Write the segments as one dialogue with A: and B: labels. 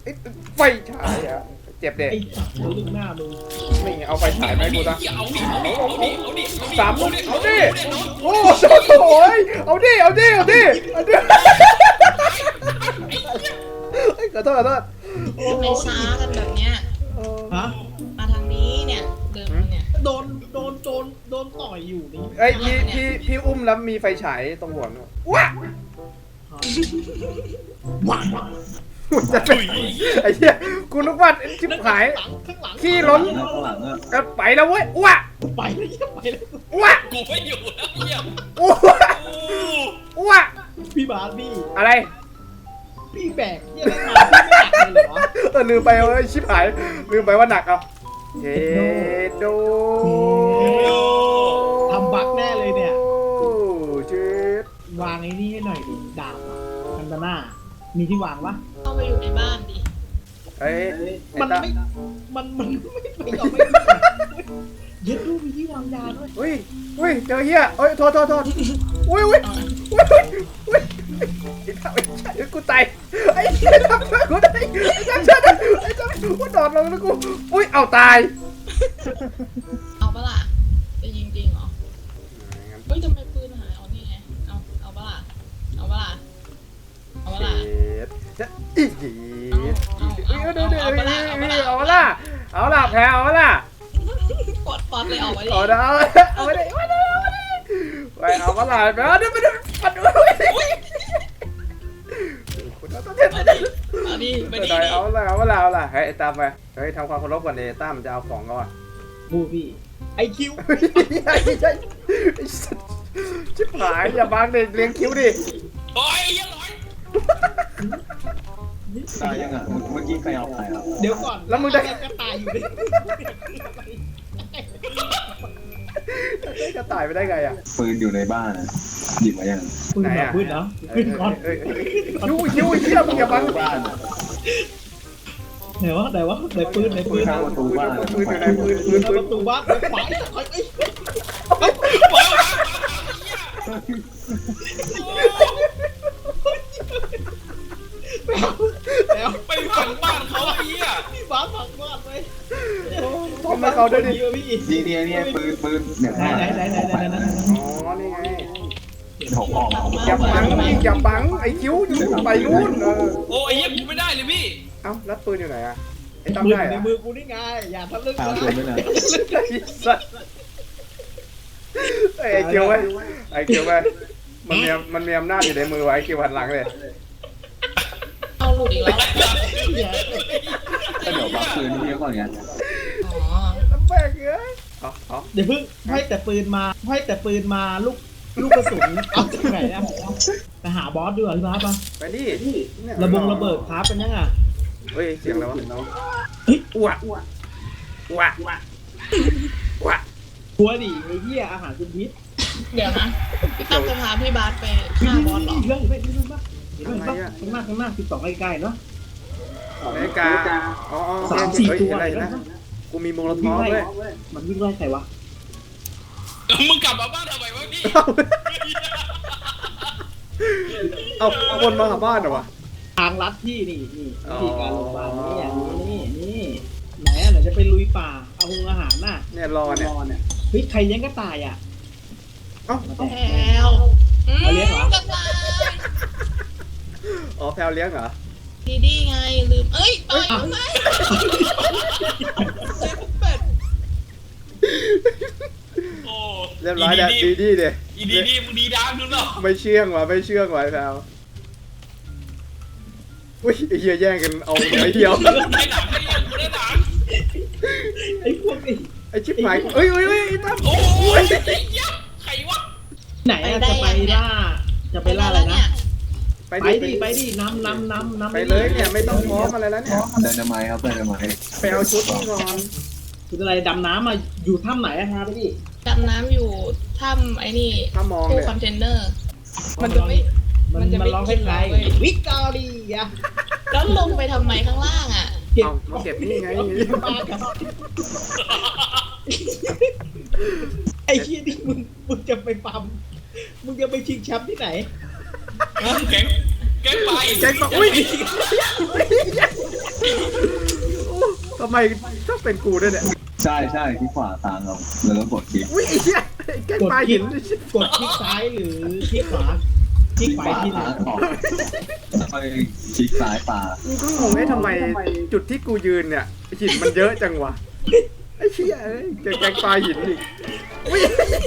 A: ไฟฉายอ่ะเจ็บเด็ก
B: ไอ้สัตว์ลูกหน้ามึง
A: นี่ไงเอาไฟฉายไหมาให้กูซะ
C: เอาดิเอาดิเอาดิ
A: สามลูกเอาดิโอ้โหเอาดิเอาดิเอาดิเอาดิขอโทษขอโทษ
D: ทำไมช้ากันแบบเนี้ย
B: ฮะ
D: มาทางนี้เนี่ยเดินมาเนี่ย
B: โดนต่อยอยู่นี่
A: เอ้ยพี่อุ้มแล้วมีไฟฉายตรงหัวว้า
B: ว้า
A: จะเป็นไอ้เหี้ยกูนึกว่าชิบหาย
B: ข้างหลัง
A: ขี้ล้นก็ไปแล้วเว้ยว้า
B: ไปแล้วไปแล้ว
A: ว้า
C: กูไม่อยู่แล้วเหี้ย
A: ว้าว้า
B: พี่บาสพี่
A: อะไร
B: พี่แบกเยี่ยมมาพี่ไม่หนักเลยเหรอ
A: ลืมไปเอ้ยชิบหายลืมไปว่าหนักเอาเจโด
B: ทำบั๊กแน่เลยเนี่ย
A: เจ็ด
B: วางไอ้นี่ให้หน่อยดิดาบอะคันตาน่ามีที่วางปะ
D: เข้าไปอยู่ในบ้านดิ
A: เอ้ย
B: มันไม่มันไม่ยอมไม่ยึดรูปมีที่วางยาด้วย
A: อุ้ยเจอเฮียเอ้ยโทษอุ้ยไอ้กูตายไอ้เหี้ยทำช่วยกูได้ไอ้ทำช่วยได้ไอ้ทำกูโดดลงแล้วกูอุ้ยเอาตาย
D: เอาปะล่ะจะยิงจริงเหรอเฮ้ยทำไมปืนหายเอานี่ไงเอาปะล่ะเอาปะล่ะเอาปะล่ะ
A: จะอีกเอาละแพ้เอาละ
D: กดป๊อปเลยออกไว้เลย
A: เอาละเอาไปเลยไปเอามาละไปเอาเดี๋ยวไปดูปัดดูคุณต้องเต้น
D: เอาดิไปดิ
A: เอาละเฮ้ยตามไปเฮ้ยทำความเคารพก่อนเลยตั้มจะเอาของก่อน
B: บูพี่ไอคิว
A: ชิบหายอย่าบังเด็กเลี้ยงคิ้วดิ
C: โอ้ยยังร้อย
E: ตายยังอ่ะเมื่อกี้ใครเอาไปอ่ะ
B: เดี๋ยวก่อน
A: แล้วมึงได้
B: กระต่ายอยู่ดิ
A: จะตายไปได้ไงอ่ะ
E: ปืนอยู่ในบ้านอ่ะหยิบมายัง
B: ปืนเหรอปืนเหรอปืนก่อน
A: คิ้วเหี้ยมึงอย่าบัง
E: บ้านอ่ะ
B: ไหนวะไหนปืน
E: ข้างประตูบ้าน
A: ปืนอยู่ไหนปืน
B: ประตูบ้านไปไป แล้ว
C: ไปฝังบ้านเขาไอ้เหี้ย
B: พี่บ้าผักบ้านไว้
A: ทำไมเขาด้วยดิ
B: พี่
E: นี่ปืนเนี่ย
B: ไหน
A: อ๋อนี่ไง
E: ผมออกมา
A: อย่าบังอย่าบังไอ้คิ้วอยู่ไปนู่น
C: โอ้ไอ้เหี้ยกูไม่ได้เลยพี่
A: เอ้าแล้วปืนอยู่ไหนอ่ะไอ้ตั้ม
B: มือ
A: ได้
B: ใน
A: อะ
B: มือกูนี่ไงอย่าทำเรื่อง
E: ตามตัวไม่นาน
A: ไอ้คิ้วไอ้คิ้วไมันมีอำนาจอยู่ในมือไว้คิ้วหันหลังเลย
D: เอาหลุดอีกแล้ว
E: ก็เดี๋ยวบักปืนพี่ก่อนไง
D: อ๋อ
A: แม่งเอ้ยเอา
B: เดี๋ยวเพิ่งให้แต่ปืนมาลูกกระสุนเอาจากไหนนะไปหาบอสดีกว่าพี่บ้าป่ะ
A: ไปดิ
B: ระเบิดครับเป็นยังอ่ะ
A: เฮ้ยเสียงอะไรวะ
B: เฮ้ย
A: อ้วก
B: หัวดิไอ้เหี้ยอาหารคุณพิษ
D: เดี๋ยวนะพี่ตั้มจะพาพี่บาสไปฆ่าบอสเหรอ
B: เรื่องไม่ป่ะเห็นป่ะข้างหน้า12ใกล้ๆเนาะ
A: นาฬิกาอ๋อ
B: 3-4 ตัว
A: อะไรนะกูมีโมโลทอฟเลย
B: มันวิ่งไล่ใครวะ
C: มึงกลับมาบ้านทำไมวะพี่
A: เอาคนมาหาบ้านเหรอวะ
B: ทางลัดที่นี่วิธีการลงมานี่อย่างนี่ไหนจะไปลุยป่าเอาอาหารน่ะ
A: เนี่ยรอเนี่ย
B: เฮ้ยใครเลี้ยงกระต่ายอ่ะ
A: เอ้า
D: แพลวกระต่าย
A: อ๋อแพลวเลี้ยงเหรอ
D: ดีไงลืมเอ้ยไปทำไมเป็ด
C: โอ้
A: เรียบร้อยแล้วดีเด
C: อีดีมึงดีดังดูเนาะ
A: ไม่เชื่องว่ะแพลวอุ้ยไอ้เหี้ยแย่งกันเอาไอ้เดียว
C: ได้หนังได้หนัง
B: ไอ้พวกนี้
A: ไอ้ชิบหายเอ้ยไอ้ตั้ม
C: โอ้ยไอ้เหี้ยใครวะ
B: ไหนจะไปล่าอะไรนะ ไปดิน้ำ
A: ไปเลยเนี่ยไม่ต้องพร้อมอะไรแล้วเนี่ย
E: เดินทำไมครับเดินทำไม
A: ไปเอาชุดนี่ก่อน
B: คืออะไรดำน้ำมาอยู่ถ้ำไหนอะฮะไปดิ
D: ดำน้ำอยู่ถ้ำไอ้นี่
A: ถ้ามอง
D: ตู้
A: เลย
D: คอนเทนเนอร์ มันจะไม่ มันจะไม่
B: ร้อง
D: กิ
B: ให้
D: น
B: ใคร
D: เราเลย
B: วิกตอเรีย
D: แล้วลงไปทำไมข้างล่างอ่ะ
B: เก็บ
A: เอามาเก็บนี่ไง
B: ปลากับไอ้ชี้นี่มึงจะไปปั๊มมึงจะไปชิงแชมป์ที่ไหน
C: แก๊งไป
A: แจ็คบอกอุ้ยทำไมต้องเป็นกูด้วยเนี่ย
E: ใช่ใช่ที่ขวาตามเราแล้วก็กดคลิก
A: อุ้ยไอ้เหี้ยแกล้งปลาหิน
B: กดคลิกซ้ายหรือคลิกขวาคลิกขวาทีหนึ่ง
E: ออกค่อยคลิกซ้ายปลา
A: มึงก็งงไอ้ทำไมจุดที่กูยืนเนี่ยหินมันเยอะจังวะไอ้เหี้ยเอ้ยแกล้งปลาหินอีกอุ้ย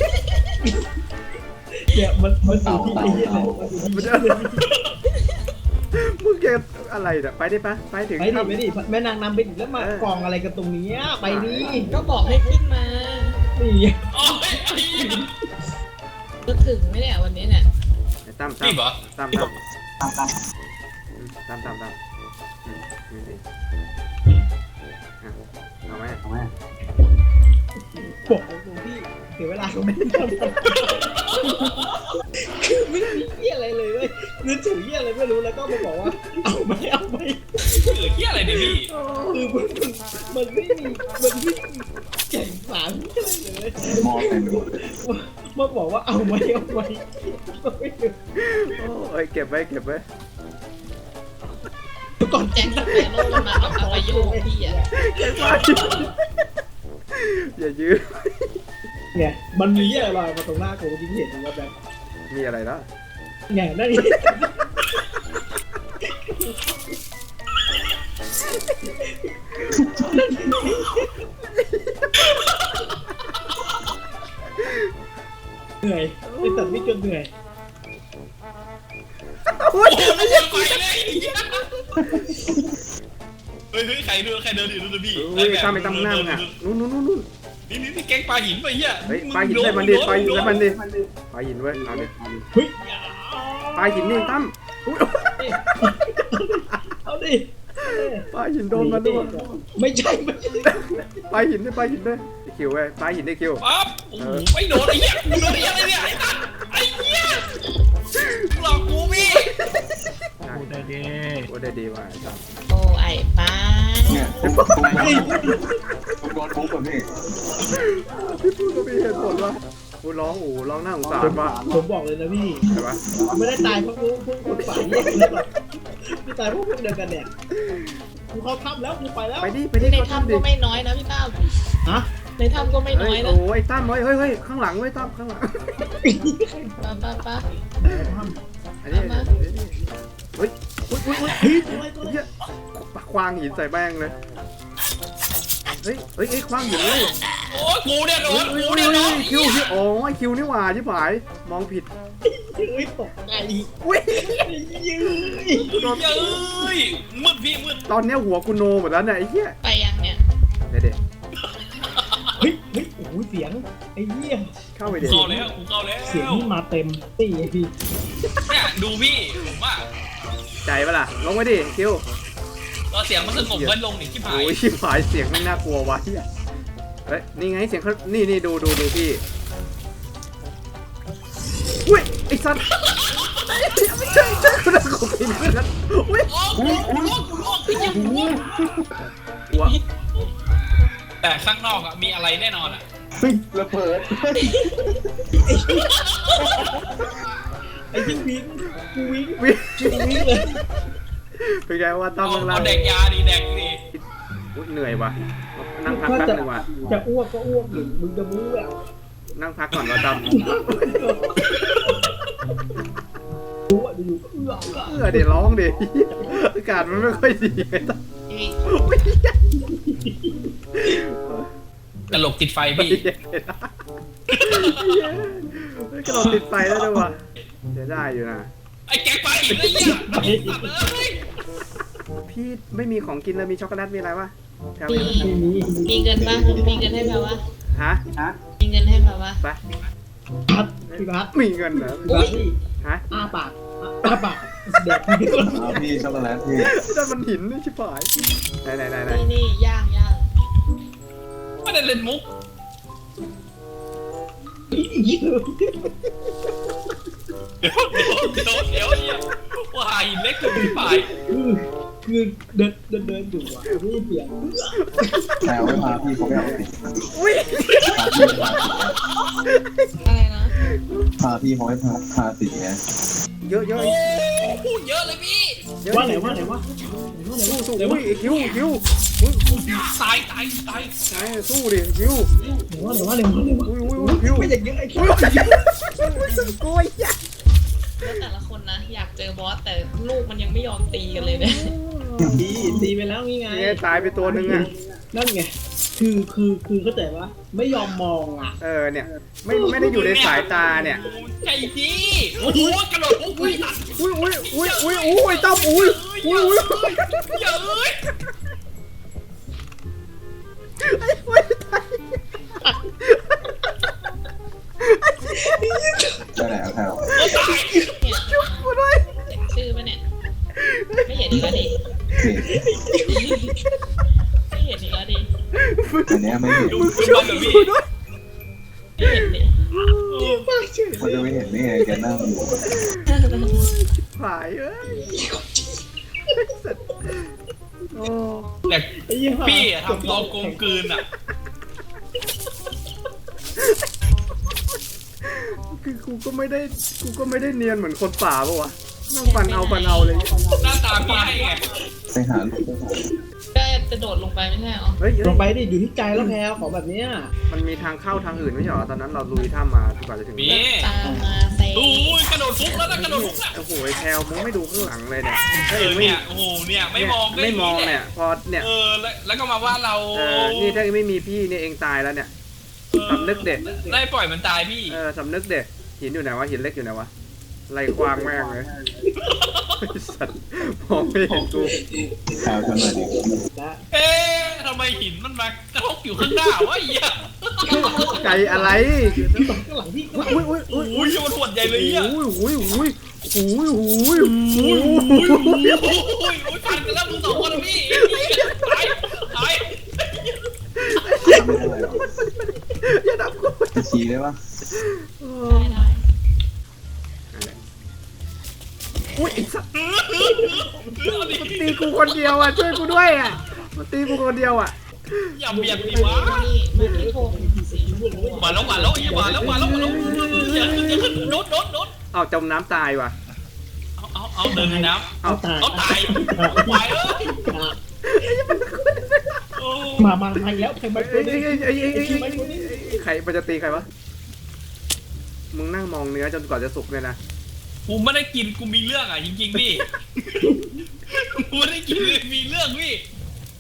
B: เนี่ยมันอยู่ที่ไอ้เหี้ยมันอยู่ที่
A: มึงแกอะไรเนี่ยไปได้ปะไปถึง
B: ไปดิไปดิแม่นางนำไปดิแล้วมากองอะไรกันตรงนี้ไปดิ
D: ก็บอกให้ขึ้นมา
B: นี่
C: โอ้ยไอ้เหี้ย
D: จะถึงไหมเนี่ยวันนี้เนี่ย
A: ตั้ม
C: รีบเหรอ
A: ตั้มนี่สิเอาไหม
B: บอกตรงที่เสียเวลาก็ไม่ได้ทำคือไม่มีเหี้ยอะไรเลยเว้ยนึกถึงเหี้ยอะไรไม่รู้แล้วก็มาบอกว่าเอาไหม
C: เหี้ยอะไรเนี่ยพี่
B: คือมันไม่มีแก่งสารอะไรเลย
E: มองเป็นหมดเลย
B: มาบอกว่าเอาไหมไม่รู้
A: โอ้ยเก็บไว้
B: ก่อน
D: แจ็คสเปโร่มันมาเอาไปโยกพี่อ่ะ
A: อย่ายื้อ
B: เนี่ยมันมีเหี้ยอะไรมาตรงหน้ากูจริงเห็นว่าแบบ
A: มีอะไรแล้ว
B: เนี่ยนั่นนี่เหนื่อยไอ้ตัดไม่จนเหนื่อย
A: อุ้ย
C: โอ้ยไปเลยเฮ้ยใครเดินอยู่ดูพี่
A: อุ้ยตั้มไปตั้มหน้ามึงอ่ะนู่น
C: นี่แกงปลาหินไปเหี้ย
A: เฮ้ยปลาหินใส่มันดิปลาหินใส่มันดิปลาหินเว้ยเอาดิ
B: เฮ้ย
A: ปลาหินนี่ตั้มอุ้ย
B: เอาดิ
A: ปลาหินโดนมันด้วย
B: ไม่ใช่
A: ปลาหินด้วยไอ้คิวเว้ยปลาหินได้คิว
C: ปั๊บโอ้โหไม่โดนไอ้เหี้ยโดนไอ้เหี้ยอะไรเนี่ยไอ้เหี้ยหลอกกูพี่
A: พูดได้ดีว่ะตั้ม
D: โอ้ไอ้ป้า
E: เนี่ยผมโดนทุบแบบนี้
A: พี่พูดก็มีเหตุผลว่ะกูร้องหน้าสงสารว่ะ
B: ผมบอกเลยนะพี่
A: ใช่ปะ
B: ไม่ได้ตายเพราะพวกคนฝ่ายแยกเลยหรอกไม่ตายเพราะพวกเดียวกันเนี่ยกูเข้าถ้ำแล้วกูไปแล้ว
A: ไปดิ
D: ใน
A: เขา
D: ถ้ำ
A: ดิ
D: ก็ไม่น้อยนะพี่ตั้ม
B: ฮะ
D: ในถ้ำก็ไม่น้
A: เฮ้
D: อย ยนะ
A: โอ้ยตั้มเฮ้ยข้างหลังเว้ยตั้มข้างหลัง
D: ป้า
A: อันนี้เฮ้ยอุ้ย
B: เฮ้ยตัวอะไรตัวอะไร
A: เหี้ยควางหินใส่แม่งเลยเฮ้ยควางหินเลย
C: โอ้ยกูเนี่ยโดน
A: คิ
C: กู
A: ว
C: เนี่ยโดน
A: โอ้ยคิวนี่หว่าชิบหายมองผิด
B: เฮ้ยตกใจ
A: อุ้ย
B: ยื้อ
A: โดน
C: เย้ยมืดพี่มืด
A: ตอนเนี้ยหัวกูโนหมดแล้วเนี่ยไอ้เหี้ย
D: ไปยังเนี่ย
A: เด็ด
B: เฮ้ยโอ้โหเสียงไอ้เหี้ย
A: เข้าไปเด็ด
C: เข้าแล้วกูเข้าแล้ว
B: เสียงนี่มาเต็มตีไอ้พี่
C: เนี่ยดูพี่ผมว่า
A: ใจปะล่ะลงไปดิคิว
C: ตอนเสียงมันสงบมันลงหนิที่ผาย
A: โอ้ยชิบหายเสียงไม่น่ากลัววะเหี้ยเฮ้ยนี่ไงเสียงเขานี่ดูพี่อุ้ยไอ้สัตว์ไม่ใช่คนละคนผิดคนละอุ้ย
C: โอ้กูลวกไอ้เหี้ยกูลวก
A: หัว
C: แต่ข้างนอกอะมีอะไรแน่นอนอะ
E: เฮ้ยระเบิด
B: ไอ้ยิ่งวิ่งกูวิ่ง
A: วิ่ง
B: กูวิ่งเลย
A: เป็นไงว่าตั้มข้างล่าง
C: เอาแดกยาดีแดกดี
A: อุ๊ยเหนื่อยว่ะนั่งพักแป๊บนึงว่ะ
B: จะอ้วกก็อ้วกอยู่มึงจะมู้แบบ
A: นั่งพักก่อนว่าตั้ม
B: รู้อ่ะอยู่ก็
A: เดี๋ยวร้องดิอากาศมันไม่ค่อยดีไงตั้ม
D: พี่
C: ตลกติดไฟพี่
A: กระโดดติดไฟแล้วด้วยว่ะเสียได้อยู่นะ
C: ไอ้แกงไปอีกแล้วเนี่ยไอ้สัตว์เอ้ย
A: พี่ไม่มีของกินเลยมีช็อกโกแลตมีอะไรวะแถว
D: มี
A: นี้
D: มีเงินปะมีเงินให้แบบว่า
A: ฮะ
D: มีเงินให้แบบว่า
A: ไป
B: พัดพี่พัด
A: มีเงินเหรอ
B: พี่พัดพี่
A: ฮะ
B: อ้าปากแดกพี่
E: เอาพี่ช็อกโกแลตพี่
A: นั่นมันหินนี่ชิบหายไหน
D: นี่ย่าง
C: ไม่ได้เล่นมุก เดี๋ยวเนี่ยว่าหาหินเล็กถึงที่ปลาย
B: คือเดินอยู่อ่ะนี่เสียง
E: แต่เอาไว้พาพี่เขาไปเอาติด
A: อุ้ย
D: อะไรนะ
E: พาพี่เขาให้พาติดไง
A: เยอะ
C: โอ้พูดเยอะเลยพี่
A: เยอะ
B: ว่า
A: ดิ
B: ไหนว่าไหนว่าไหนว่า
A: สู้
B: ไหน
A: อุ้
B: ว่าย
A: ไอ้คิวคิวอุ้ย
C: ตาย
A: ไหนสู้ดิคิว
B: ไหนว่าไหนว่าไหนว่า
A: อุ้ยคิว
B: ไม่อย่างเงี้ยไอ้
A: อุ้ยโกยอ่ะ
D: แล้วแต่ละคนนะอยากเจอบอสแต่ลูกมันยังไม่ยอมตีกันเลยเนี่ย
B: ตีไปแล้วนี่ไง
A: เนี่ยตายไปตัวนึงอ่ะ
B: นั่นไงคือเข้าใจปะไม่ยอมมองอ่ะ
A: เนี่ยไม่ได้อยู่ในสายตาเนี่ย
C: ใจดีโอ้โหกระโดดอุ้ยตัด
A: อุ้ยต้อมอุ้ย
C: เยอะเลย
E: ได้แล้วครับ
A: จุ๊บกูด้วย
D: เห็นชื่อปะเนี่ยไม่เห็นอีกแล้วดิ
E: เห็น
D: ไม่เห็นอีกแล้วดิ
E: อันเนี้ยไม่เห็น
C: ดู
A: จุ๊
C: บ้า
A: บ
C: นกับพี่
A: กูด้วย
D: ไม่เห็นดิ
E: มันจะไม่เห็นได้ไงแกนั่งอยู่
A: หายเอ้ยโอ้
C: แต่พี่ทำตัวโกงกืนอ่ะ
A: คือกูก็ไม่ได้เนียนเหมือนคนป่าปะวะนั่งฟันเอาเลย
C: หน้าตาพี่ให้ไง
E: ไปหาลูก
D: ก็จะโดดลงไปไม่ใช่เหรอ
A: เฮ้ย
B: ลงไปดิอยู่ที่ใจแล้วแพลของแบบเนี้ย
A: มันมีทางเข้าทางอื่นไม่ใช่เหรอตอนนั้นเราลุยถ้ำมาดีกว่าจะถึง
C: มี
D: ตามมาเซ
C: โอ้ยกระโดดฟุกแล้วนะกระโดดฟุกอ่ะ
A: โอ้โหไอ้แพลวมึงไม่ดูข้างหลังเลยเนี่ย
C: เนี่ยโอ้โหเนี่ยไม่มอง
A: ไม่มองเนี่ยพอเนี่ย
C: แล้วก็มาว่าเรา
A: นี่ถ้าไม่มีพี่เนี่ยเองตายแล้วเนี่ยสำนึกเด็ด
C: ได้ปล่อยมันตายพี่
A: สำนึกเด็ดหินอยู่ไหนวะหินเล็กอยู่ไหนวะไรควางแม่งเลยสัตว์มองไม่เห็นกู
E: ข่าวกันหน่อยดิ
B: และ
C: เอ๊ะทำไมหินมันมากระทบอยู่ข้างหน้าวะไอ้เหี้ย
A: ไก่อะไร
B: ข้างหลังพี่
A: อุ้ย
C: อุ้ยมันหวดใหญ่เลยอ่ะ
A: อุ้ย
C: ฟันกันแล้วมึงสองคนนะพี่ตาย
E: ไม่ได้หรอก
A: อย่าดับกู
E: จะชี้ได้ปะ
D: ได้
A: อุ้ยไอ้สัตว์มันตีกูคนเดียวอ่ะช่วยกูด้วยอ่ะมันตีกูคนเดียวอ่ะ
C: อย่าเบียดดิวะ
D: นี่มาที่โทงสี
C: มาแล้วอย่าขึ้นโดด
A: เอาจมน้ำตายว่ะ
C: เอาเดินในน้ำ
B: เอาตาย
C: เอาตายควายเอ้ย
B: มาอีกแล้วใครมาตัวนี้
A: ใครมันจะตีใครวะมึงนั่งมองเนื้อจนกว่าจะสุกเลยนะ
C: กูไม่ได้กินกูมีเรื่องอ่ะจริงๆพี่กูไม่ได้กินมีเรื่องพี่